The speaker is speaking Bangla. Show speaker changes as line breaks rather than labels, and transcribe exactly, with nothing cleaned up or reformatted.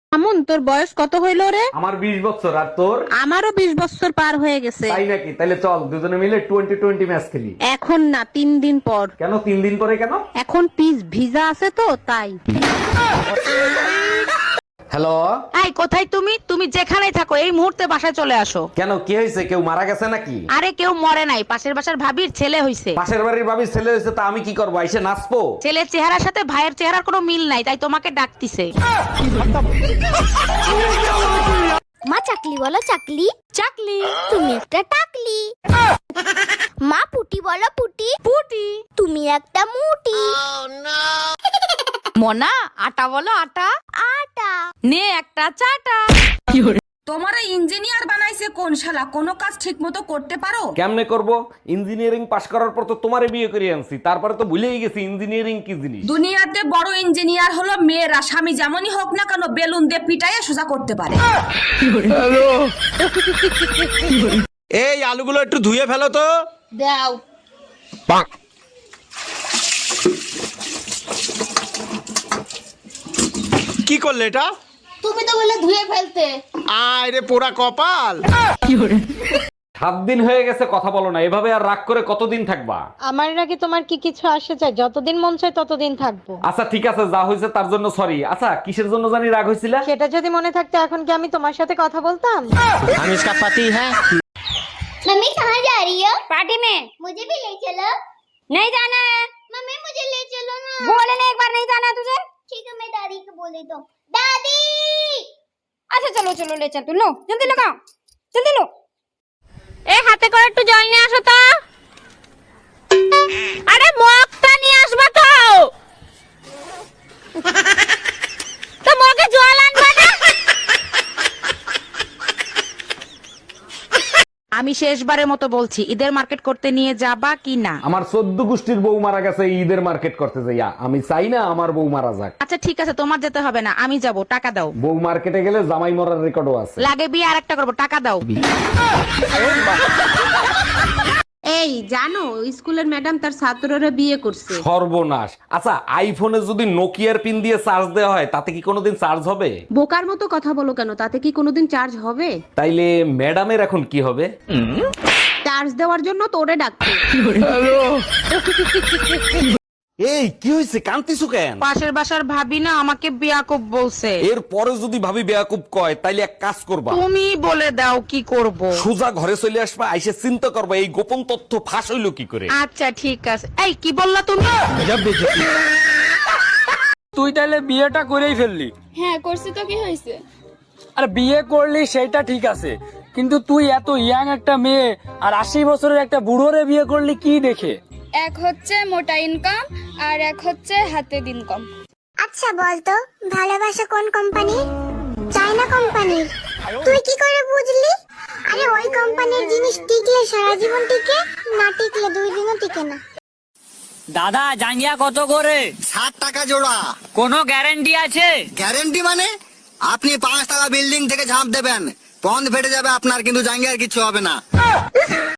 আমন, তোর বয়স কত হইল রে?
আমার বিশ বছর। আর তোর?
আমারও বিশ বছর পার হয়ে গেছে।
তাই নাকি? তাহলে চল দুজনে মিলে টোয়েন্টি টোয়েন্টি ম্যাচ খেলি।
এখন না, তিন দিন পর।
কেন তিন দিন পরে কেন?
এখন পিস ভিজা আছে তো তাই।
হ্যালো।
এই কোথায় তুমি? তুমি যেখানেই থাকো এই মুহূর্তে বাসায় চলে আসো।
কেন, কি হয়েছে? কেউ মারা গেছে নাকি?
আরে কেউ মরে নাই, পাশের বাসার ভাবির ছেলে হইছে।
পাশের বাড়ির ভাবির ছেলে হয়েছে, তা আমি কি করবো? এসে নাচবো?
ছেলের চেহারার সাথে ভাইয়ের চেহারার কোনো মিল নাই, তাই তোমাকে ডাকতিছে।
মা চাকলি বলো চাকলি। চাকলি। তুমি একটা টাকলি। মা পুটি বলো পুটি। পুটি। তুমি একটা মুটি।
মোনা আটা বলো আটা।
আটা।
নে একটা চাটা।
তোমারে ইঞ্জিনিয়ার বানাইছে কোন শালা? কোনো কাজ ঠিক মতো করতে পারো?
কেমনে করব? ইঞ্জিনিয়ারিং পাশ করার পর তো তোমারে বিয়ে করে আনছি, তারপরে তো ভুলেই গেছি ইঞ্জিনিয়ারিং কি জিনিস।
দুনিয়াতে বড় ইঞ্জিনিয়ার হলো মেয়েরা, স্বামী যেমনই হোক না কেন বেলুন দিয়ে পিটাইয়ে সোজা করতে পারে।
এই আলুগুলো একটু ধুয়ে ফেলো তো।
দাও।
কি করলে এটা?
তুমি তো বলে ধুয়ে ফেলতে।
আয় রে পোড়া কপাল।
সাত দিন হয়ে গেছে কথা বলো না, এভাবে আর রাগ করে কতদিন থাকবা?
আমার নাকি তোমার কি কিছু আসে যায়? যতদিন মন চায় ততদিন থাকবো।
আচ্ছা ঠিক আছে, যা হয়েছে তার জন্য সরি। আচ্ছা কিসের জন্য জানি রাগ হয়েছিল?
সেটা যদি মনে থাকতো এখন কি আমি তোমার সাথে কথা বলতাম?
हम इसका पति है।
मम्मी कहाँ जा रही हो? पार्टी में। मुझे भी ले चलो। नहीं जाना है। मम्मी मुझे ले चलो ना। बोले ना एक बार नहीं जाना तुझे। ठीक है मैं दादी को बोल देता हूँ। दादी। अच्छा चलो चलो ले चल तू। लो जल्दी लगाओ जल्दी लो।
এ হাতে করে একটু জল নিয়ে আসো তো। আরে মগটা নিয়ে আসবা তো। তো মগে জল আনবা না। আমি শেষবারের মতো বলছি, ঈদের মার্কেট করতে নিয়ে যাবা কি না?
আমার চোদ্দ গোষ্ঠীর বউ মারা গেছে, ঈদের মার্কেট করতে যাইয়া আমি চাই না আমার বউ মারা যাক।
আচ্ছা ঠিক আছে, তোমার যেতে হবে না, আমি যাব, টাকা দাও।
বউ মার্কেটে গেলে জামাই মরার রেকর্ডও আছে।
লাগে বিয়ে আর একটা করবো, টাকা দাও।
এই জানো, স্কুলের ম্যাডাম তার ছাত্ররা বিয়ে করছে।
সর্বনাশ। আচ্ছা আইফোনে যদি নোকিয়ার পিন দিয়ে চার্জ দেওয়া হয় তাতে কি কোনোদিন চার্জ হবে?
বোকার মতো কথা বলো কেন? তাতে কি কোনোদিন চার্জ হবে?
তাইলে ম্যাডামের এখন কি হবে?
চার্জ দেওয়ার জন্য তোরে ডাকছে।
এই কি হয়েছে, কান্তিছু কেন?
পাশের বাসার ভাবি না আমাকে বিয়াকুব বলছে।
এর পরে যদি ভাবি বেয়াকুব কয় তাইলে এক কাজ করবা,
তুমি বলে দাও কি করব।
সোজা ঘরে চলে আসবা, আইসে চিন্তা করবা এই গোপন তথ্য ফাঁস হইলো কি করে।
আচ্ছা ঠিক আছে। এই কি বললা তুমি?
তুই তাহলে বিয়েটা করেই ফেললি?
হ্যাঁ করছি তো কি হয়েছে?
আর বিয়ে করলি সেটা ঠিক আছে, কিন্তু তুই এত ইয়াং একটা মেয়ে আর আশি বছরের একটা বুড়োরে বিয়ে করলি কি দেখে?
এক হচ্ছে মোটা ইনকাম আর এক হচ্ছে হাতের ইনকাম। আচ্ছা বলতো ভালোবাসা কোন কোম্পানি? চায়না কোম্পানির। তুই কি করে বুঝলি? আরে ওই কোম্পানির জিনিস টিকলে সারা জীবন টিকে, না টিকলে দুই দিনও টিকে না।
দাদা জাঙ্গিয়া কত করে?
ষাট টাকা জোড়া।
কোনো গ্যারান্টি আছে?
গ্যারেন্টি মানে? আপনি পাঁচ টাকা বিল্ডিং থেকে ঝাঁপ দেবেন, পন্দ ফেটে যাবে আপনার, কিন্তু জাঙ্গিয়ার কিছু হবে না।